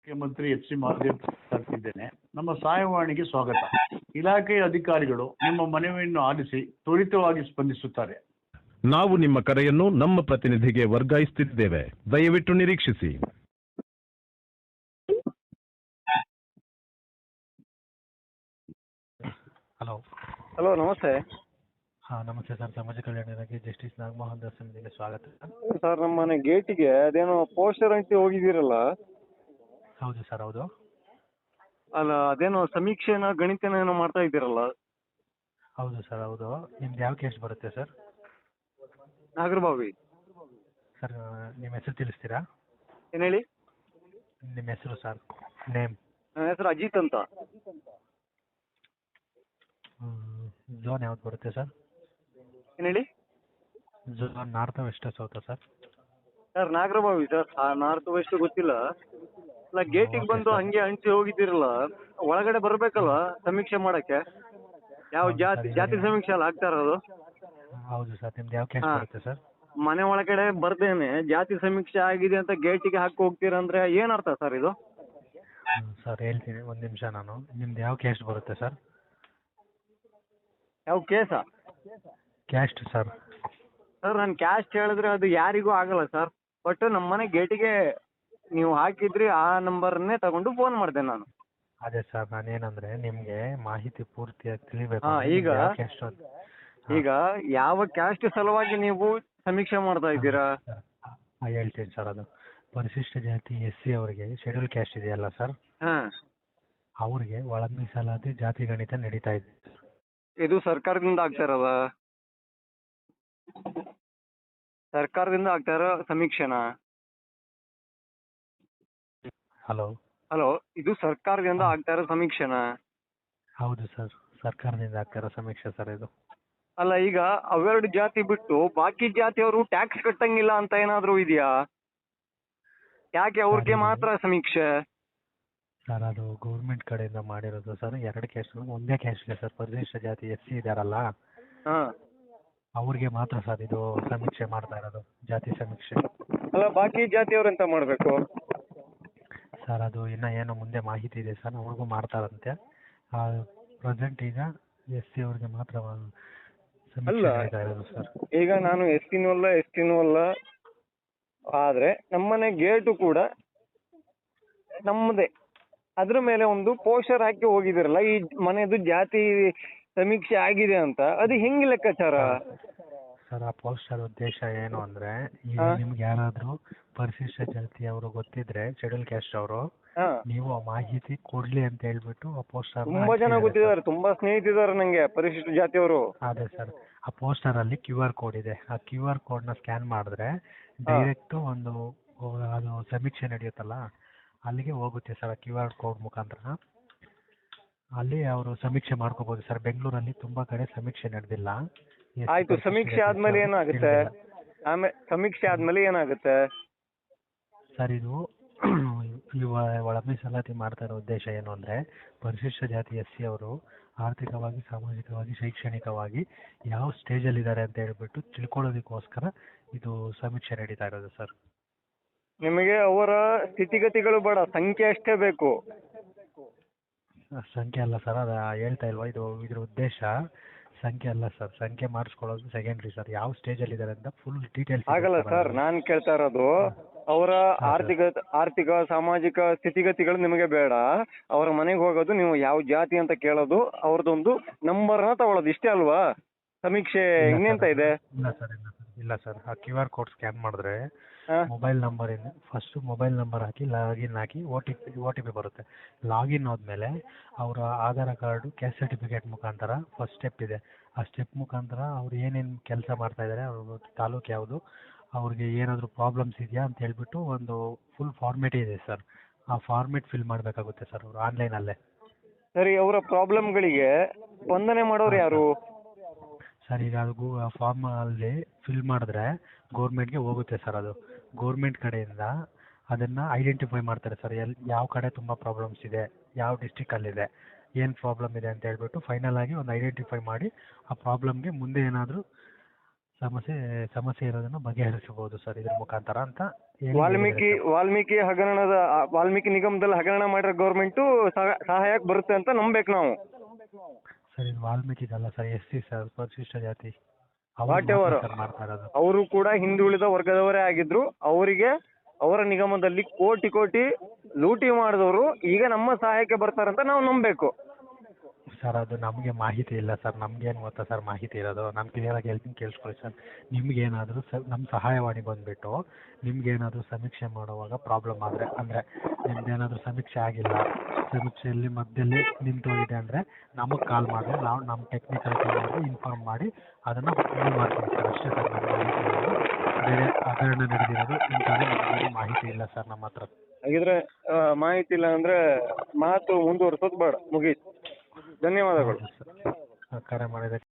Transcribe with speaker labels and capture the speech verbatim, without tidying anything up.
Speaker 1: ಮುಖ್ಯಮಂತ್ರಿ H C Mahadev ಮಾತಾಡ್ತಿದ್ದೇನೆ. ನಮ್ಮ ಸಹಾಯವಾಣಿಗೆ ಸ್ವಾಗತ. ಇಲಾಖೆಯ ಅಧಿಕಾರಿಗಳು ನಿಮ್ಮ ಮನವಿಯನ್ನು ಆಲಿಸಿ ತ್ವರಿತವಾಗಿ ಸ್ಪಂದಿಸುತ್ತಾರೆ.
Speaker 2: ನಾವು ನಿಮ್ಮ ಕರೆಯನ್ನು ನಮ್ಮ ಪ್ರತಿನಿಧಿಗೆ ವರ್ಗಾಯಿಸುತ್ತಿದ್ದೇವೆ. ದಯವಿಟ್ಟು ನಿರೀಕ್ಷಿಸಿ.
Speaker 3: ಹಲೋ
Speaker 4: ಹಲೋ, ನಮಸ್ತೆ
Speaker 3: ಹಾಂ ನಮಸ್ತೆ ಸರ್. ಸಮಾಜ ಕಲ್ಯಾಣ ಇಲಾಖೆ ಜಸ್ಟಿಸ್ ನಾಗಮೋಹನ್ ದಾಸ್ ನಿಮಗೆ ಸ್ವಾಗತ.
Speaker 4: ಸರ್. ನಮ್ಮ ಮನೆ ಗೇಟಿಗೆ ಅದೇನೋ ಪೋಸ್ಟರ್ ಅಂಟಿ ಹೋಗಿದ್ದೀರಲ್ಲ,
Speaker 3: ಹೌದು ಸರ್, ಹೌದು.
Speaker 4: ಅಲ್ಲ ಅದೇನೋ ಸಮೀಕ್ಷೆನ ಗಣಿತನ ಏನೋ ಮಾಡ್ತಾ ಇದ್ದೀರಲ್ಲ?
Speaker 3: ಹೌದು ಸರ್, ಹೌದು. ನಿಮ್ದು ಯಾವ ಕೇಸ್ ಬರುತ್ತೆ ಸರ್?
Speaker 4: ನಾಗರಬಾವಿ.
Speaker 3: ಸರ್ ನಿಮ್ಮ ಹೆಸರು ತಿಳಿಸ್ತೀರಾ?
Speaker 4: ಏನು ಹೇಳಿ?
Speaker 3: ನಿಮ್ಮ ಹೆಸರು ಸರ್, ನೇಮ್.
Speaker 4: ನನ್ನ ಹೆಸರು ಅಜಿತ್ ಅಂತ.
Speaker 3: ಝೋನ್ ಯಾವ್ದು ಬರುತ್ತೆ ಸರ್?
Speaker 4: ಏನು ಹೇಳಿ?
Speaker 3: ಝೋನ್ ನಾರ್ತ್ ವೆಸ್ಟ್ ಸೌತಾ ಸರ್?
Speaker 4: Sir Nagarbhavi sir. ಆ ನಾರ್ತ್ ವೆಸ್ಟ್ ಗೊತ್ತಿಲ್ಲ. ಅಲ್ಲ ಗೇಟಿಗೆ ಬಂದು ಹಂಗೆ ಹಂಚಿ ಹೋಗಿದ್ದೀರಲ್ಲ, ಒಳಗಡೆ ಬರಬೇಕಲ್ಲ ಸಮೀಕ್ಷೆ ಮಾಡಕ್ಕೆ? ಯಾವ ಜಾತಿ ಜಾತಿ ಸಮೀಕ್ಷೆ ಅಲ್ಲ ಆಗ್ತಾ ಇರೋದು?
Speaker 3: ಹೌದು ಸರ್. ನಿಮ್ದು ಯಾವ ಕೇಸ್
Speaker 4: ಹಾ.
Speaker 3: ಬರುತ್ತೆ ಸರ್?
Speaker 4: ಮನೆ ಒಳಗಡೆ ಬರ್ದೇನೆ ಜಾತಿ ಸಮೀಕ್ಷೆ ಆಗಿದೆ ಅಂತ ಗೇಟಿಗೆ ಹಾಕಿ ಹೋಗ್ತೀರಂದ್ರೆ ಏನ್ ಅರ್ಥ ಸರ್ ಇದು?
Speaker 3: ಹ್ಮ್, ಸರ್ ಹೇಳ್ತೀನಿ ಒಂದು ನಿಮಿಷ. ನಾನು ನಿಮ್ದು ಯಾವ ಕ್ಯಾಸ್ಟ್ ಬರುತ್ತೆ ಸರ್?
Speaker 4: ಯಾವ ಕೇಸ?
Speaker 3: Caste sir.
Speaker 4: ಸರ್ ನಾನು ಕ್ಯಾಸ್ಟ್ ಹೇಳಿದ್ರೆ ಅದು ಯಾರಿಗೂ ಆಗಲ್ಲ ಸರ್. ಬಟ್ ನಮ್ಮ ಮನೆ ಗೇಟಿಗೆ ನೀವು ಹಾಕಿದ್ರಿ, ಆ ನಂಬರ್ನೇ ತಗೊಂಡು ಫೋನ್ ಮಾಡಿದೆ ನಾನು.
Speaker 3: ಅದೇ ಸರ್, ನಾನೇನಂದ್ರೆ ನಿಮ್ಗೆ ಮಾಹಿತಿ ಪೂರ್ತಿಯಾಗಿ ತಿಳಿಬೇಕು.
Speaker 4: ಹಾ,
Speaker 3: ಅಂದ್ರೆ
Speaker 4: ಈಗ
Speaker 3: ನಿಮ್ದು ಯಾವ caste ಅಂತ.
Speaker 4: ಈಗ ಯಾವ ಕ್ಯಾಸ್ಟ್ ಸಲುವಾಗಿ ನೀವು ಸಮೀಕ್ಷೆ ಮಾಡ್ತಾ ಇದ್ದೀರಾ?
Speaker 3: ಹಾ, ಹೇಳ್ತೀನಿ ಸರ್. ಅದು ಪರಿಶಿಷ್ಟ ಜಾತಿ ಎಸ್ ಸಿ ಅವರಿಗೆ ಶೆಡ್ಯೂಲ್ ಕ್ಯಾಸ್ಟ್ ಇದೆಯಲ್ಲ ಸರ್,
Speaker 4: ಹಾ,
Speaker 3: ಅವ್ರಿಗೆ ಒಳ ಮೀಸಲಾತಿ ಜಾತಿ ಗಣಿತ ನಡೀತಾ ಇದೆ.
Speaker 4: ಇದು ಸರ್ಕಾರದಿಂದ ಆಗ್ತಾ ಇರೋದ? ಸರ್ಕಾರದಿಂದ ಆಗ್ತಾ ಇರೋ ಸಮೀಕ್ಷೆನಾ?
Speaker 3: ಹಲೋ
Speaker 4: ಹಲೋ, ಇದು ಸರ್ಕಾರದಿಂದ ಆಗ್ತಾ ಇರೋ ಸಮೀಕ್ಷೆನಾ?
Speaker 3: ಹೌದು ಸರ್, ಸರ್ಕಾರದಿಂದ ಆಗ್ತಿರೋ ಸಮೀಕ್ಷೆ ಸರ್ ಇದು.
Speaker 4: ಅಲ್ಲ, ಈಗ ಅವೆರಡು ಜಾತಿ ಬಿಟ್ಟು ಬಾಕಿ ಜಾತಿಯವರು ಟ್ಯಾಕ್ಸ್ ಕಟ್ಟಂಗಿಲ್ಲ ಅಂತ ಏನಾದ್ರು ಇದೆಯಾ? ಯಾಕೆ ಅವ್ರಿಗೆ ಮಾತ್ರ ಸಮೀಕ್ಷೆ?
Speaker 3: ಸರ್ ಅದು ಗೌರ್ಮೆಂಟ್ ಕಡೆಯಿಂದ ಮಾಡಿರೋದು ಸರ್. ಎರಡು ಕ್ಯಾಸ್ಟ್ ಒಂದೇ ಕ್ಯಾಸ್ಟ್ಗೆ ಸರ್. ಪರಿಶಿಷ್ಟ ಜಾತಿ ಎಸ್ ಸಿ ಇದಾರಲ್ಲ,
Speaker 4: ಹಾ,
Speaker 3: ಅವ್ರಿಗೆ ಮಾತ್ರ ಸರ್ ಇದು ಸಮೀಕ್ಷೆ ಮಾಡ್ತಾ ಇರೋದು, ಜಾತಿ ಸಮೀಕ್ಷೆ.
Speaker 4: ಅಲ್ಲ ಬಾಕಿ ಜಾತಿಯವ್ರು ಎಂತ ಮಾಡ್ಬೇಕು
Speaker 3: ಸರ್ ಅದು ಇನ್ನ ಏನೋ ಮುಂದೆ ಮಾಹಿತಿ ಇದೆ ಸರ್, ಅವ್ರಿಗೂ ಮಾಡ್ತಾರಂತೆ. ಪ್ರೆಸೆಂಟ್ ಈಗ ಎಸ್ ಸಿ ಅವ್ರಿಗೆ ಮಾತ್ರ ಸಮೀಕ್ಷೆ ನಡೀತಾ ಇರೋದು ಸರ್.
Speaker 4: ಈಗ ನಾನು ಎಸ್ ಟಿನೂ ಅಲ್ಲ ಎಸ್ ಟಿನೂ ಅಲ್ಲ, ಆದ್ರೆ ನಮ್ಮನೆ ಗೇಟು ಕೂಡ ನಮ್ಮದೇ. ಅದ್ರ ಮೇಲೆ ಒಂದು ಪೋಸ್ಟರ್ ಹಾಕಿ ಹೋಗಿದಿರಲ್ಲ, ಈ ಮನೆದು ಜಾತಿ ಸಮೀಕ್ಷೆ ಆಗಿದೆ ಅಂತ, ಅದು ಹೆಂಗ್ ಲೆಕ್ಕಾಚಾರ?
Speaker 3: ಸರ್ ಆ ಪೋಸ್ಟರ್ ಉದ್ದೇಶ ಏನು ಅಂದ್ರೆ, ಈಗ ನಿಮ್ಗೆ ಯಾರಾದ್ರೂ ಪರಿಶಿಷ್ಟ ಜಾತಿ ಅವರು ಗೊತ್ತಿದ್ರೆ, ಶೆಡ್ಯೂಲ್ ಕ್ಯಾಸ್ಟ್ ಅವರು,
Speaker 4: ಹಾ,
Speaker 3: ನೀವು ಆ ಮಾಹಿತಿ ಕೊಡ್ಲಿ ಅಂತ ಹೇಳ್ಬಿಟ್ಟು ಆ ಪೋಸ್ಟರ್
Speaker 4: ತುಂಬಾ ಜನ ಗೊತ್ತಿದ್ದಾರೆ, ತುಂಬಾ ಸ್ನೇಹಿತಿದ್ದಾರೆ ನಂಗೆ ಪರಿಶಿಷ್ಟ ಜಾತಿಯವರು.
Speaker 3: ಅದೇ ಸರ್, ಆ ಪೋಸ್ಟರ್ ಅಲ್ಲಿ ಕ್ಯೂ ಆರ್ ಕೋಡ್ ಇದೆ. ಆ ಕ್ಯೂ ಆರ್ ಕೋಡ್ ನ ಸ್ಕ್ಯಾನ್ ಮಾಡಿದ್ರೆ ಡೈರೆಕ್ಟ್ ಒಂದು ಅದು ಸಮೀಕ್ಷೆ ನಡೆಯುತ್ತಲ್ಲ ಅಲ್ಲಿಗೆ ಹೋಗುತ್ತೆ ಸರ್. ಆ ಕ್ಯೂ ಆರ್ ಕೋಡ್ ಮುಖಾಂತರ ಅಲ್ಲಿ ಅವರು ಸಮೀಕ್ಷೆ ಮಾಡ್ಕೋಬಹುದು ಸರ್. ಬೆಂಗಳೂರಲ್ಲಿ ತುಂಬಾ ಕಡೆ ಸಮೀಕ್ಷೆ ನಡೆದಿಲ್ಲ.
Speaker 4: ಆಯ್ತು, ಸಮೀಕ್ಷೆ ಆದ್ಮೇಲೆ ಏನಾಗುತ್ತೆ? ಆಮೇಲೆ ಸಮೀಕ್ಷೆ ಆದ್ಮೇಲೆ ಏನಾಗುತ್ತೆ
Speaker 3: ಸರ್? ಇದು ಇವ ಒಳ ಮೀಸಲಾತಿ ಮಾಡ್ತಾ ಇರೋ ಉದ್ದೇಶ ಏನು ಅಂದ್ರೆ, ಪರಿಶಿಷ್ಟ ಜಾತಿ ಎಸ್ ಸಿ ಅವರು ಆರ್ಥಿಕವಾಗಿ, ಸಾಮಾಜಿಕವಾಗಿ, ಶೈಕ್ಷಣಿಕವಾಗಿ ಯಾವ ಸ್ಟೇಜಲ್ಲಿ ಇದ್ದಾರೆ ಅಂತ ಹೇಳ್ಬಿಟ್ಟು ತಿಳ್ಕೊಳ್ಳೋದಕ್ಕೋಸ್ಕರ ಇದು ಸಮೀಕ್ಷೆ ನಡೀತಾ ಇರೋದು ಸರ್.
Speaker 4: ನಿಮಗೆ ಅವರ ಸ್ಥಿತಿಗತಿಗಳು ಬೇಡ, ಸಂಖ್ಯೆ ಅಷ್ಟೇ ಬೇಕು.
Speaker 3: ಸಂಖ್ಯೆ ಅಲ್ಲ ಸರ್, ಅದ ಹೇಳ್ತಾ ಇಲ್ವಾ, ಇದು ಇದ್ರ ಉದ್ದೇಶ ಸಂಖ್ಯೆ ಅಲ್ಲ ಸರ್. ಸಂಖ್ಯೆ ಮಾಡಿಸ್ಕೊಳ್ಳೋದು ಸೆಕೆಂಡ್ರಿ ಸರ್. ಯಾವ ಸ್ಟೇಜಲ್ಲಿ ಇದ್ದಾರೆ ಅಂತ ಫುಲ್ ಡೀಟೇಲ್ಸ್
Speaker 4: ಆಗಲ್ಲ ಸರ್. ನಾನ್ ಕೇಳ್ತಾ ಇರೋದು ಅವರ ಆರ್ಥಿಕ ಆರ್ಥಿಕ ಸಾಮಾಜಿಕ ಸ್ಥಿತಿಗತಿಗಳು ನಿಮಗೆ ಬೇಡ. ಅವರ ಮನೆಗೆ ಹೋಗೋದು, ನೀವು ಯಾವ ಜಾತಿ ಅಂತ ಕೇಳೋದು, ಅವ್ರದ್ದೊಂದು ನಂಬರ್ನ ತಗೊಳ್ಳೋದು, ಇಷ್ಟೇ ಅಲ್ವಾ ಸಮೀಕ್ಷೆ? ಇನ್ನೆಂತ ಇದೆ?
Speaker 3: ಇಲ್ಲ ಸರ್, ಇಲ್ಲ ಸರ್, ಇಲ್ಲ ಸರ್. ಆ ಕ್ಯೂ ಆರ್ ಕೋಡ್ ಸ್ಕ್ಯಾನ್ ಮಾಡಿದ್ರೆ ಮೊಬೈಲ್ ನಂಬರ್ ಇಂದ ಫಸ್ಟ್ ಮೊಬೈಲ್ ನಂಬರ್ ಹಾಕಿ ಲಾಗಿನ್ ಹಾಕಿ O T P O T P ಬರುತ್ತೆ. ಲಾಗಿನ್ ಆದಮೇಲೆ ಅವರ ಆಧಾರ್ ಕಾರ್ಡು, ಕ್ಯಾಸ್ಟ್ ಸರ್ಟಿಫಿಕೇಟ್ ಮುಖಾಂತರ ಫಸ್ಟ್ ಸ್ಟೆಪ್ ಇದೆ. ಆ ಸ್ಟೆಪ್ ಮುಖಾಂತರ ಅವ್ರು ಏನೇನು ಕೆಲಸ ಮಾಡ್ತಾ ಇದ್ದಾರೆ, ಅವ್ರ ತಾಲೂಕು ಯಾವುದು, ಅವ್ರಿಗೆ ಏನಾದರೂ ಪ್ರಾಬ್ಲಮ್ಸ್ ಇದೆಯಾ ಅಂತ ಹೇಳ್ಬಿಟ್ಟು ಒಂದು ಫುಲ್ ಫಾರ್ಮೇಟ್ ಇದೆ ಸರ್. ಆ ಫಾರ್ಮೇಟ್ ಫಿಲ್ ಮಾಡಬೇಕಾಗುತ್ತೆ ಸರ್ ಅವರು ಆನ್ಲೈನಲ್ಲೇ.
Speaker 4: ಸರಿ, ಅವರ ಪ್ರಾಬ್ಲಮ್ಗಳಿಗೆ ಸ್ಪಂದನೆ ಮಾಡೋರು ಯಾರು
Speaker 3: ಸರ್? ಈಗ ಅದು ಫಾರ್ಮ್ ಅಲ್ಲಿ ಫಿಲ್ ಮಾಡಿದ್ರೆ ಗೌರ್ಮೆಂಟ್ಗೆ ಹೋಗುತ್ತೆ ಸರ್. ಅದು ಗೌರ್ಮೆಂಟ್ ಕಡೆಯಿಂದ ಅದನ್ನು ಐಡೆಂಟಿಫೈ ಮಾಡ್ತಾರೆ ಸರ್. ಎಲ್ಲಿ ಯಾವ ಕಡೆ ತುಂಬ ಪ್ರಾಬ್ಲಮ್ಸ್ ಇದೆ, ಯಾವ ಡಿಸ್ಟಿಕಲ್ಲಿದೆ, ಏನು ಪ್ರಾಬ್ಲಮ್ ಇದೆ ಅಂತ ಹೇಳ್ಬಿಟ್ಟು ಫೈನಲ್ ಆಗಿ ಒಂದು ಐಡೆಂಟಿಫೈ ಮಾಡಿ ಆ ಪ್ರಾಬ್ಲಮ್ಗೆ ಮುಂದೆ ಏನಾದರೂ ಸಮಸ್ಯೆ ಸಮಸ್ಯೆ ಇರೋದನ್ನು ಬಗೆಹರಿಸಬಹುದು ಸರ್ ಇದ್ರ ಮುಖಾಂತರ ಅಂತ ಹೇಳಿ
Speaker 4: ವಾಲ್ಮೀಕಿ
Speaker 3: ಹೇಳಿದ್ದಾರೆ
Speaker 4: ವಾಲ್ಮೀಕಿ ಹಗರಣದ ಆ, ವಾಲ್ಮೀಕಿ ನಿಗಮದಲ್ಲಿ ಹಗರಣ ಮಾಡಿರೋ ಗೌರ್ಮೆಂಟು ಸಹಾಯಕ್ಕೆ ಬರುತ್ತೆ ಅಂತ ನಂಬೇಕು ನಾವು.
Speaker 3: ಸರ್ ಇದು ವಾಲ್ಮೀಕಿಗಲ್ಲ ಸರ್ ಎಸ್ ಸಿ ಸರ್ ಪರಿಶಿಷ್ಟ ಜಾತಿ
Speaker 4: What ever.
Speaker 3: ಸರ್ ಮಾಡ್ತಾ ಇರೋದು.
Speaker 4: ಅವರು ಕೂಡ ಹಿಂದುಳಿದ ವರ್ಗದವರೇ ಆಗಿದ್ರು. ಅವರಿಗೆ ಅವರ ನಿಗಮದಲ್ಲಿ ಕೋಟಿ ಕೋಟಿ ಲೂಟಿ ಮಾಡಿದವರು ಈಗ ನಮ್ಮ ಸಹಾಯಕ್ಕೆ ಬರ್ತಾರಂತ ನಾವು ನಂಬಬೇಕು.
Speaker 3: ಸರ್ ಅದು ನಮಗೆ ಮಾಹಿತಿ ಇಲ್ಲ ಸರ್, ನಮ್ಗೇನು ಗೊತ್ತಾ ಸರ್ ಮಾಹಿತಿ ಇರೋದು. ನಾನು ಕ್ಲಿಯರಾಗಿ ಹೇಳ್ತೀನಿ ಕೇಳಿಸ್ಕೊಳ್ಳಿ ಸರ್. ನಿಮ್ಗೇನಾದರೂ ಸ ನಮ್ಮ ಸಹಾಯವಾಣಿ ಬಂದುಬಿಟ್ಟು ನಿಮ್ಗೇನಾದರೂ ಸಮೀಕ್ಷೆ ಮಾಡುವಾಗ ಪ್ರಾಬ್ಲಮ್ ಆದರೆ, ಅಂದರೆ ನಿಮ್ದೇನಾದರೂ ಸಮೀಕ್ಷೆ ಆಗಿಲ್ಲ, ಸಮೀಕ್ಷೆಯಲ್ಲಿ ಮಧ್ಯದಲ್ಲಿ ನಿಂತೋಗಿದೆ ಅಂದರೆ ನಮಗೆ ಕಾಲ್ ಮಾಡಿದ್ರೆ ನಾವು ನಮ್ಮ ಟೆಕ್ನಿಕಲ್ ಟೀಮ್ಗೆ ಇನ್ಫಾರ್ಮ್ ಮಾಡಿ ಅದನ್ನು ಮೂವ್ ಮಾಡ್ತೀವಿ ಸರ್. ಅಷ್ಟೇ ಸರ್ ನಮ್ಗೆ ಮಾಹಿತಿ ಇರೋದು. ಬೇರೆ ಹಗರಣ ನಡೆದಿರೋದು ಇಂಥದ್ದು ನಮಗೆ ಮಾಹಿತಿ ಇಲ್ಲ ಸರ್ ನಮ್ಮ ಹತ್ರ.
Speaker 4: ಹಾಗಿದ್ರೆ ಆ, ಮಾಹಿತಿ ಇಲ್ಲ ಅಂದ್ರೆ ಮಾತು ಮುಂದುವರ್ಸೋದು ಬೇಡ, ಮುಗೀತು. ಧನ್ಯವಾದಗಳು.
Speaker 3: ಹೌದು ಸರ್ ಕರೆ ಮಾಡಿದ